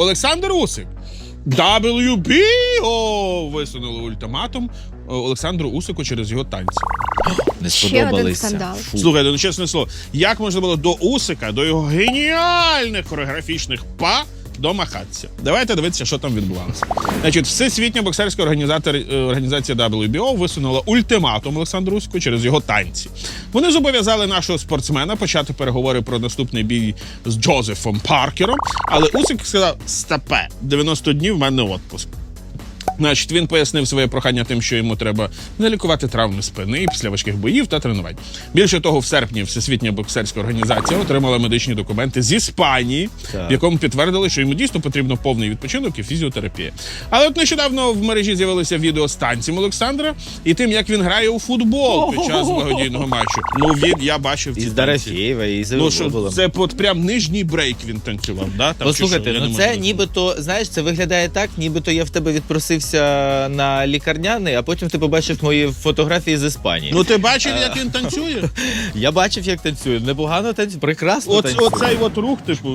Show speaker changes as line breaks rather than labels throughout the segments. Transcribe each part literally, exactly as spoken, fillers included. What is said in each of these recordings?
Олександр Усик. дабл ю бі о висунули ультиматум Олександру Усику через його танці.
Не
Ще один скандал.
Фу.
Слухайте, ну чесне слово, як можна було до Усика, до його геніальних хореографічних па домахатися? Давайте дивитися, що там відбувалося. Значить, Всесвітня боксерська організація дабл ю бі о висунула ультиматум Олександру Усику через його танці. Вони зобов'язали нашого спортсмена почати переговори про наступний бій з Джозефом Паркером, але Усик сказав: «Стопе, дев'яносто днів в мене відпуск». Значить, він пояснив своє прохання тим, що йому треба не лікувати травми спини після важких боїв та тренувань. Більше того, в серпні Всесвітня боксерська організація отримала медичні документи з Іспанії,
так.
в якому підтвердили, що йому дійсно потрібно повний відпочинок і фізіотерапія. Але от нещодавно в мережі з'явилося відео з танцем Олександра і тим, як він грає у футбол під час благодійного матчу. Ну, він, я бачив ці
І з
танці.
Дорофєєва, і з
Ну, що,
Іловолом.
це от прям нижній брейк він танцював, да? Там,
Послухайте,
чи що? Я
ну
не
це
можу
нібито, знаєш, це виглядає так, нібито я в тебе відпросився на лікарняний, а потім ти побачив мої фотографії з Іспанії.
Ну ти бачив, як він танцює?
Я бачив, як танцює. Непогано танцює, прекрасно
Оц,
танцює.
оцей от рух, типу.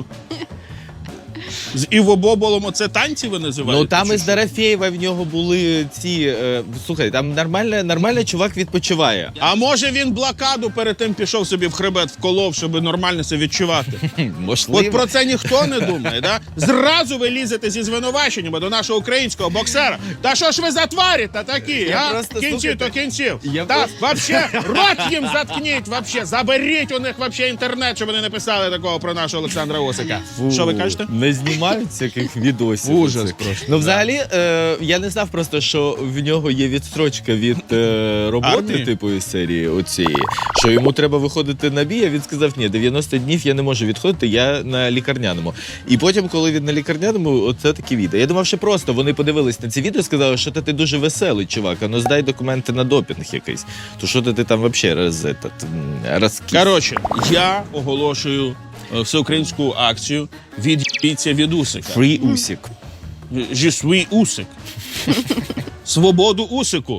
З Іво Боболом оце танці ви називаєте?
Ну там
чи
із
що?
Дорофєєва в нього були ці... Е, слухай, там нормально, нормально чувак відпочиває.
А може він блокаду перед тим пішов собі в хребет вколов, щоб нормально це відчувати?
Можливо.
От про це ніхто не думає, да? Зразу ви лізете зі звинуваченнями до нашого українського боксера. Та що ж ви за тварі та такі,
Я
а?
просто,
Кінців
слухайте,
то кінців.
я
Та
просто-
вообще рот їм заткніть, вообще. Заберіть у них вообще інтернет, щоб вони не писали такого про нашого Олександра Усика.
Фу,
Що ви кажете?
Не знімають всяких відосів.
Ужас
оцих.
просто.
Ну, взагалі, е, я не знав просто, що в нього є відстрочка від е, роботи,
Армії?
типу, із серії оцієї, що йому треба виходити на бій, а він сказав, ні, дев'яносто днів я не можу відходити, я на лікарняному. І потім, коли він на лікарняному, оце такі відео. Я думав, що просто вони подивились на ці відео і сказали, що ти дуже веселий, чувак, а ну здай документи на допінг якийсь. То що ти там взагалі роз, этот, м, розкіс?
Коротше, я оголошую е, всеукраїнську акцію «Від'їться від Усика».
Фрі Усік.
Je suis Усик. Свободу Усику.